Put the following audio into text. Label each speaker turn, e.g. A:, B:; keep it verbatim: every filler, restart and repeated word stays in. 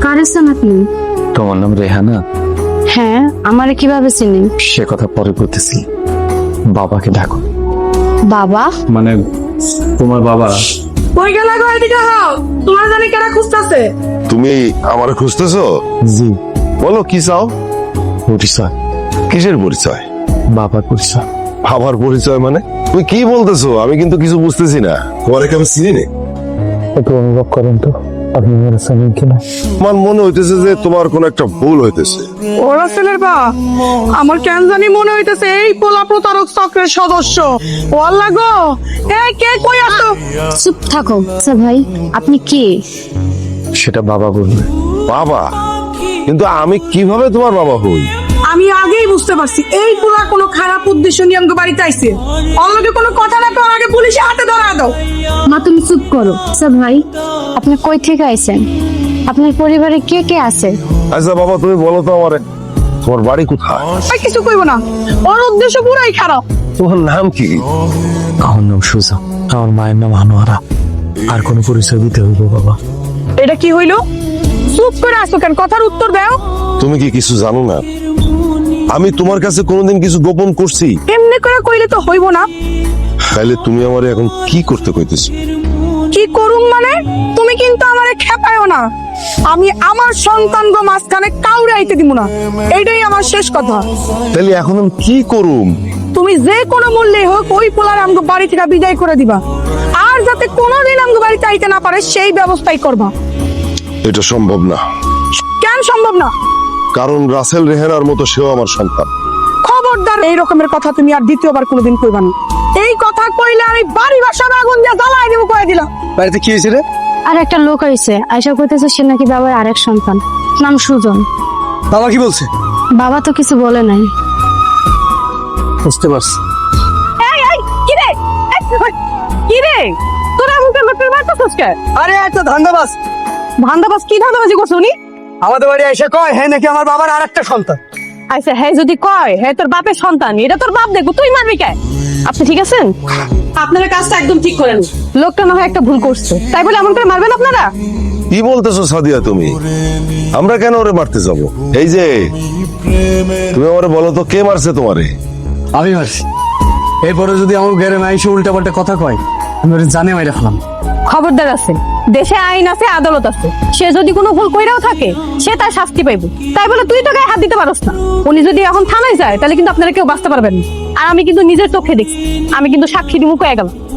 A: কারেছেন আপনি?
B: তোমার নাম রেহানা?
A: হ্যাঁ, আমারে কিভাবে চিনেন?
B: সে কথা পরে বলতেছি, বাবাকে ডাকো।
A: বাবা?
B: মানে তোমার বাবা।
C: কই গেলা গো? এদিকে হও, তোমার জানি কেনা খুঁজতাছে।
D: তুমি আমার খুঁজতেছো?
B: জি।
D: বলো কি চাও?
B: পরিচয়।
D: কিসের পরিচয়?
B: বাবার পরিচয়।
D: আমার পরিচয় মানে? তুমি কি বলতেছো? আমি কিন্তু কিছু বুঝতেছি না। তোমার কি আমি চিনি না?
B: একটু অনুভব করেন তো, আপনি মেরে জানেন কিনা।
D: আমার মনে হইতেছে যে তোমার কোনো একটা ভুল হইতেছে।
C: ওরা ছেলের বা আমার কেন জানি মনে হইতেছে এই পোলা প্রতারক চক্রের সদস্য। ও আল্লাহ গো, এই কে কই আছো?
A: চুপ থাকো। আচ্ছা ভাই, আপনি কে?
B: সেটা বাবা বলবে।
D: বাবা? কিন্তু আমি কিভাবে তোমার বাবা হই?
C: আমি আগেই বুঝতে পারছি এই পোলা কোনো খারাপ উদ্দেশ্য নিয়ে আমাকে বাড়িতে আইছে। অন্যকে কোনো কথা না কওয়ার আগে পুলিশে হাতে ধরা দাও।
A: মা তুমি চুপ করো। আচ্ছা ভাই, আপনি কই থেকে আইছেন? আপনার পরিবারে কে কে আছে?
D: আচ্ছা বাবা, তুমি বলো তো আমারে, তোমার বাড়ি কোথায়?
C: আর কিছু কইব না, ওর উদ্দেশ্য পুরাই খারাপ।
D: তোমার নাম কি?
B: আমার নাম সুজা, আমার মায়ের নাম আনোয়ারা। আর কোনো পরিচয় দিতে হইব বাবা?
C: এটা কি হইলো? চুপ করে আসো কেন? কথার উত্তর দাও।
D: তুমি কি কিছু জানো না? আমি তোমার কাছে কোনোদিন কিছু গোপন করছি?
C: এমনি করে কইলে তো হইব না।
D: তাহলে তুমি আমারে এখন কি করতে কইতেছো?
C: কি করুম মানে? তুমি কিন্তু আমারে খেপায়ও না। আমি আমার সন্তান গো মাঝখানে কাউরে আইতে দিব না, এইটাই আমার শেষ কথা।
D: তাহলে এখন আমি কি করুম?
C: তুমি যে কোনো মূল্যে হোক ওই পোলার আমগো বাড়ি থেকে বিদায় করে দিবা, আর যাতে কোনোদিন আমগো বাড়িতে আইতে না পারে সেই ব্যবস্থাই করবা।
D: এটা সম্ভব না।
C: কেন সম্ভব না?
D: কারণ রাসেল রেহানার মতো সেও আমার সন্তান।
C: খবরদার এই রকমের কথা তুমি আর দ্বিতীয়বার কোনোদিন কইবা না। এই কথা কইলে আমি বাড়ি বাসার আগুন দিয়ে জ্বালাই দিব কয়ে দিলাম।
B: বাড়িতে কি হয়েছে রে?
A: আর একটা লোক আইছে, আয়সা কইতেছে সে নাকি বাবার আরেক সন্তান, নাম সুজন।
B: বাবা কি বলছে?
A: বাবা তো কিছু বলে নাই।
B: বুঝতে পারছি।
C: এই এই কি রে? এই, কি রে? তোরা মুখে লোকের মারতেছস কে?
E: আরে একটা ধান্দাবাজ
C: ধান্দাবাজ কি ধান্দাবাজি করছ উনি?
E: আমাদের বাড়ি এসে কয় হ্যাঁ নাকি আমার বাবার আরেকটা সন্তান।
C: আচ্ছা হ্যাঁ যদি কয় হ্যাঁ তোর বাপের সন্তান, এটা তোর বাপ দেখবো, তুই মারবি কে? আপনি ঠিক আছেন? আপনারা কাজটা একদম ঠিক করেন। লোকটা না হয় একটা ভুল করছে, তাই বলে এমন করে মারবেন আপনারা?
D: কি বলতেছো সাদিয়া তুমি? আমরা কেন ওরে মারতে যাব? এই যে তুমি আমারে বলো তো, কে মারছে তোমারে?
E: আমি মারছি। এরপরে যদি আমার ঘরে মাইসে উল্টা পাল্টা কথা কয়, আমি ওরে জানে মাইরা ফেলাম।
C: খবরদার আছে, দেশে আইন আছে, আদালত আছে। সে যদি কোনো ভুল কইরাও থাকে সে তার শাস্তি পাইব, তাই বলে তুই তো গায়ে হাত দিতে পারস না। উনি যদি এখন থানায় যায় তাহলে কিন্তু আপনারা কেউ বাঁচতে পারবেন না। আর আমি কিন্তু নিজের চোখে দেখছি, আমি কিন্তু সাক্ষী দিমু কয়ে গেলাম।